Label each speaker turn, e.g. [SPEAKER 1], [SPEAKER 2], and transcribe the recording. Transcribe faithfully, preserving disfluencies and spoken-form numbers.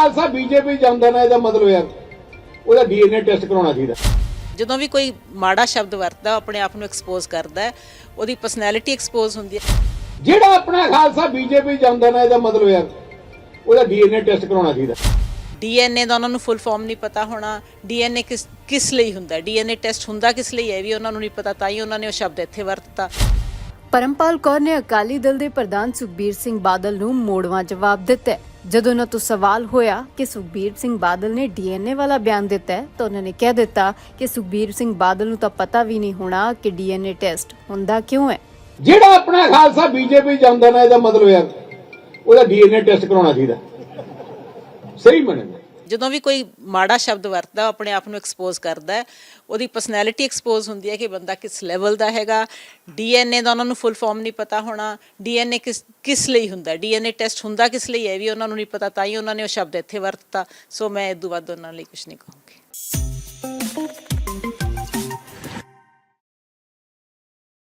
[SPEAKER 1] Khalsa BJP ਜਾਂਦਾ ਨਾ ਇਹਦਾ ਮਤਲਬ ਯਾਰ ਉਹਦਾ ਡੀਐਨਏ ਟੈਸਟ ਕਰਾਉਣਾ ਚਾਹੀਦਾ।
[SPEAKER 2] ਜਦੋਂ ਵੀ ਕੋਈ ਮਾੜਾ ਸ਼ਬਦ ਵਰਤਦਾ ਆਪਣੇ ਆਪ ਨੂੰ ਐਕਸਪੋਜ਼ ਕਰਦਾ ਹੈ, ਉਹਦੀ ਪਰਸਨੈਲਿਟੀ ਐਕਸਪੋਜ਼ ਹੁੰਦੀ ਹੈ।
[SPEAKER 1] ਜਿਹੜਾ ਆਪਣਾ ਖਾਲਸਾ ਬੀਜੇਪੀ ਜਾਂਦਾ ਨਾ ਇਹਦਾ ਮਤਲਬ ਯਾਰ ਉਹਦਾ ਡੀਐਨਏ ਟੈਸਟ ਕਰਾਉਣਾ ਚਾਹੀਦਾ।
[SPEAKER 2] ਡੀਐਨਏ ਦਾ ਉਹਨਾਂ ਨੂੰ ਫੁੱਲ ਫਾਰਮ ਨਹੀਂ ਪਤਾ ਹੋਣਾ, ਡੀਐਨਏ ਕਿਸ ਕਿਸ ਲਈ ਹੁੰਦਾ, ਡੀਐਨਏ ਟੈਸਟ ਹੁੰਦਾ ਕਿਸ ਲਈ ਹੈ ਵੀ ਉਹਨਾਂ ਨੂੰ ਨਹੀਂ ਪਤਾ, ਤਾਂ ਹੀ ਉਹਨਾਂ ਨੇ ਉਹ ਸ਼ਬਦ ਇੱਥੇ ਵਰਤਤਾ।
[SPEAKER 3] ਪਰਮਪਾਲ ਕੌਰ ਨੇ ਅਕਾਲੀ ਦਲ ਦੇ ਪ੍ਰਧਾਨ ਸੁਖਬੀਰ ਸਿੰਘ ਬਾਦਲ ਨੂੰ ਮੋੜਵਾਂ ਜਵਾਬ ਦਿੱਤਾ ਹੈ। ਜਦੋਂ ਉਹਨਾਂ ਤੋਂ ਸਵਾਲ ਹੋਇਆ ਕਿ ਸੁਖਬੀਰ ਸਿੰਘ ਬਾਦਲ ਨੇ ਡੀਐਨਏ ਵਾਲਾ ਬਿਆਨ ਦਿੱਤਾ ਹੈ ਤਾਂ ਉਹਨਾਂ ਨੇ ਕਹਿ ਦਿੱਤਾ ਕਿ ਸੁਖਬੀਰ ਸਿੰਘ ਬਾਦਲ ਨੂੰ ਤਾਂ ਪਤਾ ਵੀ ਨਹੀਂ ਹੋਣਾ ਕਿ ਡੀਐਨਏ ਟੈਸਟ ਹੁੰਦਾ ਕਿਉਂ ਹੈ।
[SPEAKER 1] ਜਿਹੜਾ ਆਪਣਾ ਖਾਲਸਾ ਬੀਜੇਪੀ ਜਾਂਦਾ ਨਾ ਇਹਦਾ ਮਤਲਬ ਯਾਰ ਉਹਦਾ ਡੀਐਨਏ ਟੈਸਟ ਕਰਾਉਣਾ ਚਾਹੀਦਾ। ਸਹੀ ਮੰਨਦੇ
[SPEAKER 2] ਜਦੋਂ ਵੀ ਕੋਈ ਮਾੜਾ ਸ਼ਬਦ ਵਰਤਦਾ ਆਪਣੇ ਆਪ ਨੂੰ ਐਕਸਪੋਜ਼ ਕਰਦਾ ਹੈ, ਉਹਦੀ ਪਰਸਨੈਲਿਟੀ ਐਕਸਪੋਜ਼ ਹੁੰਦੀ ਹੈ ਕਿ ਬੰਦਾ ਕਿਸ ਲੈਵਲ ਦਾ ਹੈਗਾ। ਡੀਐਨਏ ਦਾ ਉਹਨਾਂ ਨੂੰ ਫੁੱਲ ਫਾਰਮ ਨਹੀਂ ਪਤਾ ਹੋਣਾ, ਡੀਐਨਏ ਕਿਸ ਕਿਸ ਲਈ ਹੁੰਦਾ, ਡੀਐਨਏ ਟੈਸਟ ਹੁੰਦਾ ਕਿਸ ਲਈ ਹੈ ਵੀ ਉਹਨਾਂ ਨੂੰ ਨਹੀਂ ਪਤਾ, ਤਾਂ ਹੀ ਉਹਨਾਂ ਨੇ ਉਹ ਸ਼ਬਦ ਇੱਥੇ ਵਰਤਤਾ। ਸੋ ਮੈਂ ਇਸ ਤੋਂ ਵੱਧ ਉਹਨਾਂ ਲਈ ਕੁਝ ਨਹੀਂ ਕਹੂੰਗੀ।